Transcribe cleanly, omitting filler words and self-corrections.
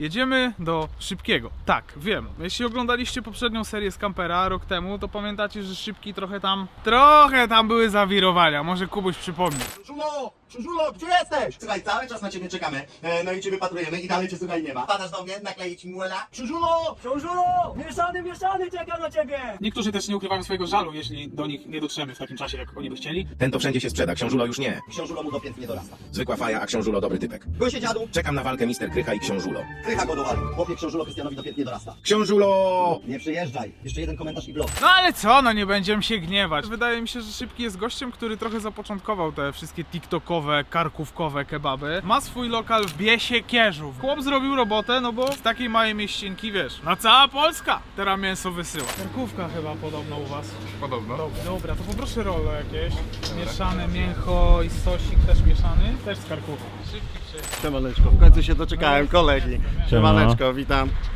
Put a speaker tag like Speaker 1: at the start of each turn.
Speaker 1: Jedziemy do Szybkiego. Tak, wiem. Jeśli oglądaliście poprzednią serię z Kampera rok temu, to pamiętacie, że Szybki trochę tam były zawirowania. Może Kubuś przypomni.
Speaker 2: Krzyżulo! Krzyżulo, gdzie jesteś? Słuchaj, cały czas na ciebie czekamy, no i cię wypatrujemy i dalej cię słuchaj nie ma. Padasz do mnie, nakleić mi muela? Krzyżulo!
Speaker 3: Książulo! Mieszany czeka na ciebie!
Speaker 4: Niektórzy też nie ukrywają swojego żalu, jeśli do nich nie dotrzemy w takim czasie, jak oni by chcieli.
Speaker 5: Ten to wszędzie się sprzeda, książulo już nie.
Speaker 2: Książulo mu do pięt nie dorasta.
Speaker 5: Zwykła faja, a książulo dobry typek.
Speaker 2: Gosie dziadu,
Speaker 5: Czekam na walkę Mister Krycha i książulo.
Speaker 2: krycha go dowalił. Chłopie, książulo Krystianowi do pięt nie dorasta.
Speaker 5: Książulo!
Speaker 2: Nie przyjeżdżaj. Jeszcze jeden komentarz i blok.
Speaker 1: No ale co, no nie będziemy się gniewać. Wydaje mi się, że Szybki jest gościem, który trochę zapoczątkował te wszystkie tiktokowe, karkówkowe kebaby. Ma swój lokal w Biesie Kierzów. Chłop zrobił robotę, no bo z takiej małej mieścinki, wiesz, na cała Polska teraz mięso wysyła. Karkówka chyba podobno u was.
Speaker 4: Podobno.
Speaker 1: Dobra, to poproszę rollo jakieś. Mieszane mięcho i sosik też mieszany. Też z karkówką. Szybki przyjechał.
Speaker 6: Siemaneczko, w końcu się doczekałem kolegi. Siemaneczko, witam.